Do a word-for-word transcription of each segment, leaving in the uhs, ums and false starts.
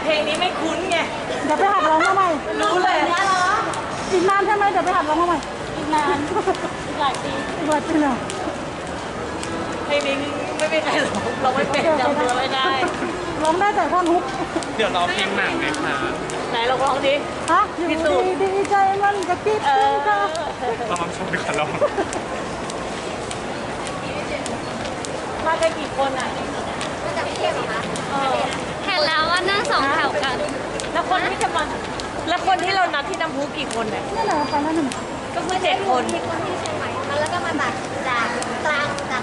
เพลงนี้ไม่คุ้นไงเดี๋ยวไปหัดร้องมาใหม่รู้เลยนะเหรออีกนานใช่ไหมเดี๋ยวไปหัดร้องมาใหม่อีกนานอีกหลายปีอีกหลายปีเลยเพลงนี้ไม่เป็นไรหรอกเราไม่เป็นจำเนื้อไม่ได้ร้องได้แต่ท่อนฮุกเดี๋ยวร้องเพลงหนังเลยค่ะไหนเราร้องดิฮะอยู่ดีดีใจมันกระติบเออร้องชมดีกว่าร้องมากันกี่คนอ่ะมาจากเทพเหรอคะเห็นแล้วว่านั่งสองแถวกันแล้วคนที่จะมาแล้วคนที่เรานัดที่น้ำพุกี่คนเนี่ยนั่นแหละไปแล้วหนึ่งก็คือเจ็ดคนมีคนที่เชียงใหม่แล้วก็มาจากจากกลางจาก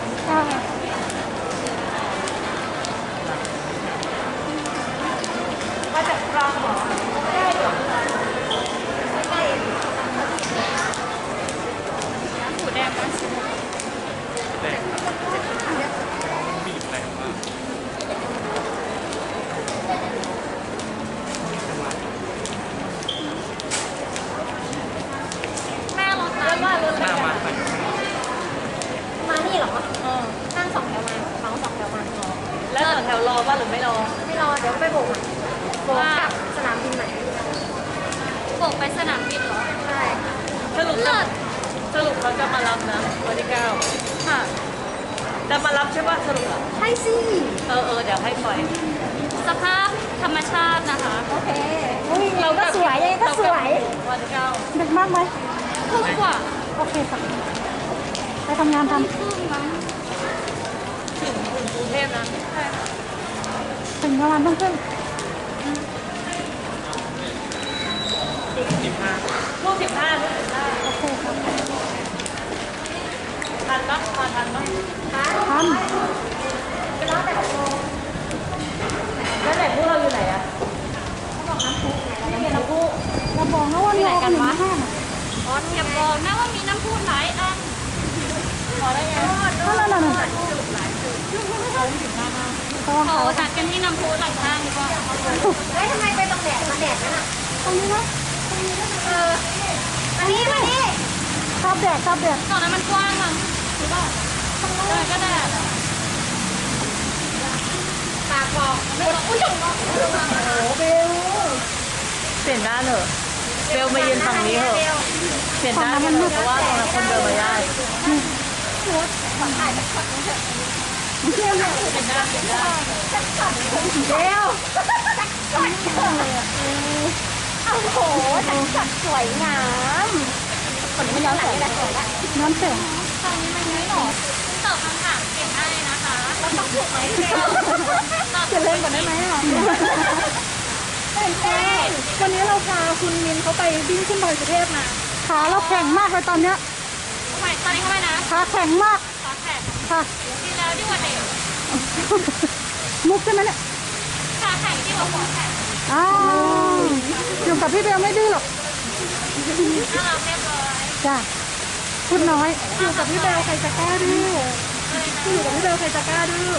มาจากกลางเหรอใช่เหรอใกล้หูแดงมั้ยแดงบีบแรงมากแม่รถแล้วว่ารถหน้ามาใส่มานี่เหรอเออนั่งสองแถวมาเมาสองแถวมาแล้วต่อแถวรอป่ะหรือไม่รอไม่รอเดี๋ยวไปโบกโบกกับสนามบินไหนโบกไปสนามบินเหรอใช่สรุปสรุปเขาจะมารับนะวันที่เก้าค่ะจะมารับใช่ป่ะสรุปอ่ะใช่สิเออเออเดี๋ยวให้ปล่อยสภาพธรรมชาตินะคะโอเคเราก็สวยยังก็สวยวันที่เก้าดึกมากไหมทุ่มกว่าโอเคค่ะไปทำงานทำครึ่งมั้งถึงถึงกรุงเทพนะใช่ค่ะถึงประมาณต้องขึ้นสิบห้าลูกสิบห้าลูกสิบห้าโอเคครับทันปะมาทันปะทันไปรอแต่หกโมงแล้วไหนพวกเราอยู่ไหนอะเขาบอกน้ำพุไม่มีน้ำพุเราบอกนะว่าเรากันวะอ๋ออย่าบอกนะว่ามีน้ำพุหลายอันพอได้ไงนั่นนั่นนั่นโอ้จัดกันที่น้ำพุหลังข้างดีกว่าเฮ้ยทำไมไปตรงแดดมาแดดนั่นอ่ะตรงนี้นะเออมานี่มานี่ชอบแดดชอบแดดตอนนั้นมันกว้างมั้งหรือเปล่าเออก็แดดปากบอกไม่บอกอุ้ยโอ้เบลเปลี่ยนด้านเถอะเบลมายืนฝั่งนี้เถอะเปลี่ยนด้านกันเถอะเพราะว่าตรงนั้นคนเดินมาได้ชุดขอถ่ายจากช็อตนี้เถอะเที่ยวเนี่ยเปลี่ยนด้านเปลี่ยนด้านเบลจักช็อตเลยอ่ะโอ้โหจักช็อตสวยงามคนนี้มันย้อนแสงสวยละน้ำแสงตรงนี้มันไม่หรอตอบคำถามเก็บได้นะคะเราต้องถูกไหมเบลจะเล่นก่อนได้ไหมอ่ะตื่นเต้นวันนี้เราพาคุณมินเขาไปวิ่งขึ้นดอยสุเทพมาขาเราแข็งมากเลยตอนเนี้ยทำไมตอนนี้ทำไมนะขาแข็งมากขาแข็งค่ะดีแล้วดีกว่าเด็กมุกใช่ไหมเนี่ยขาแข็งดีกว่าหัวแข็งอ้าวอยู่กับพี่เบลไม่ดื้อหรอกน่ารักเรียบร้อยจ้าพูดน้อยอยู่กับพี่เบลใครจะกล้าดื้ออยู่กับพี่เบลใครจะกล้าดื้อ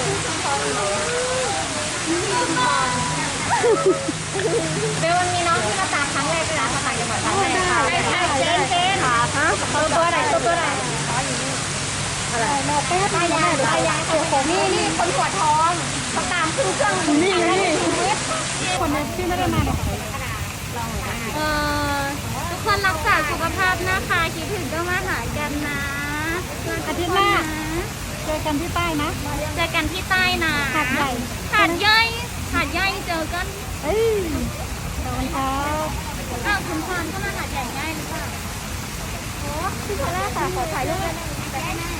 เบลมันมีน้องที่มาตามครั้งแรกด้วยนะมาถ่ายจังหวัดครั้งแรกค่ะใช่ใช่เจนเจนค่ะฮะตัวตัวไหนตัวตัวไหนอ๋ออยู่นี่อะไรแม่แป๊บไม่ได้หรือไปยังตัวผมนี่นี่คนปวดท้องเขาตามขึ้นเครื่องนี่นี่คนนี้ที่ไม่ได้มาเนี่ยเออทุกคนรักษาสุขภาพนะคะคิดถึงก็มาหากันนะอาทิตย์หน้าเจอกันที่ใต้นะเจอกันที่ใต้นะหาดใหญ่หาดย่อยหาดย่อยเจอกันเอ้ยเดี๋ยววันเช้าอ้าวคุณพรก็มาหาดใหญ่ง่ายหรือเปล่าโอ้พี่พอลล่าค่ะขอถ่ายรูปได้ไหมได้แน่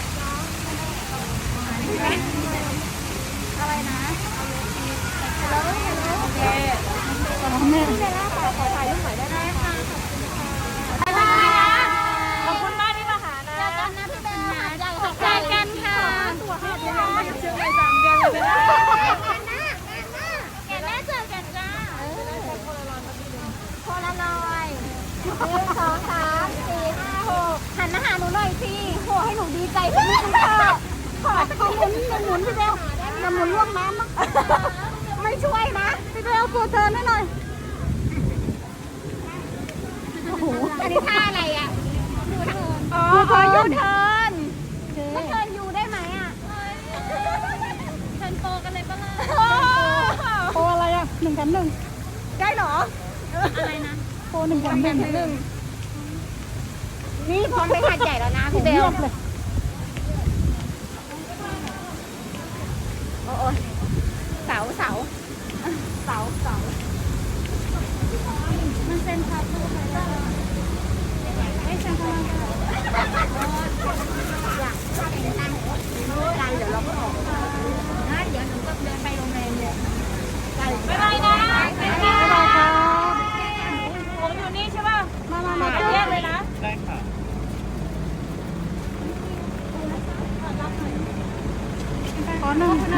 อะไรนะฮัลโหลฮัลโหลโอเคพี่เบลล่าค่ะขอถ่ายรูปหน่อยได้ไหมคะขอบคุณค่ะขอบคุณมากที่มาหานะเจอกันนะพี่เบลหาดใหญ่ค่ะเจอกันค่ะตัวห้าเดือนไม่เชื่อเลยสามเดือนเลยนะแกแม่เจอกันจ้าโพลารอยด์หนึ่งสองสามสี่ห้าหกหันมาหาหนูหน่อยสิโหให้หนูดีใจขึ้นนิดนึงค่ะขอขอหมุนหมุนพี่เบลจะหมุนล่วงน้ำมั้งไม่ช่วยนะพี่เบลตัวเธอหน่อยโอ้โหอันนี้ท่าอะไรอ่ะยูเทิร์นอ๋อยูเทิร์นก็เทิร์นยูได้ไหมอ่ะเทิร์นโปกันเลยปะล่ะโปอะไรอ่ะหนึ่งแถมหนึ่งได้เหรออะไรนะโปรหนึ่งแถมหนึ่งหนึ่งนี่พร้อมไปหาดใหญ่แล้วนะพี่เบลเงียบเลยโอ้ยเสาเสาเสาเสามันเป็นคาปูใครได้ไม่ใช่ค่ะไกลเดี๋ยวเราก็ออกนะเดี๋ยวหนูก็เดินไปโรงแรมเลยไกลบ๊ายบายนะบ๊ายบายค่ะผมอยู่นี่ใช่ป่ะมามามาแยกเลยนะได้ค่ะขอหนึ่ง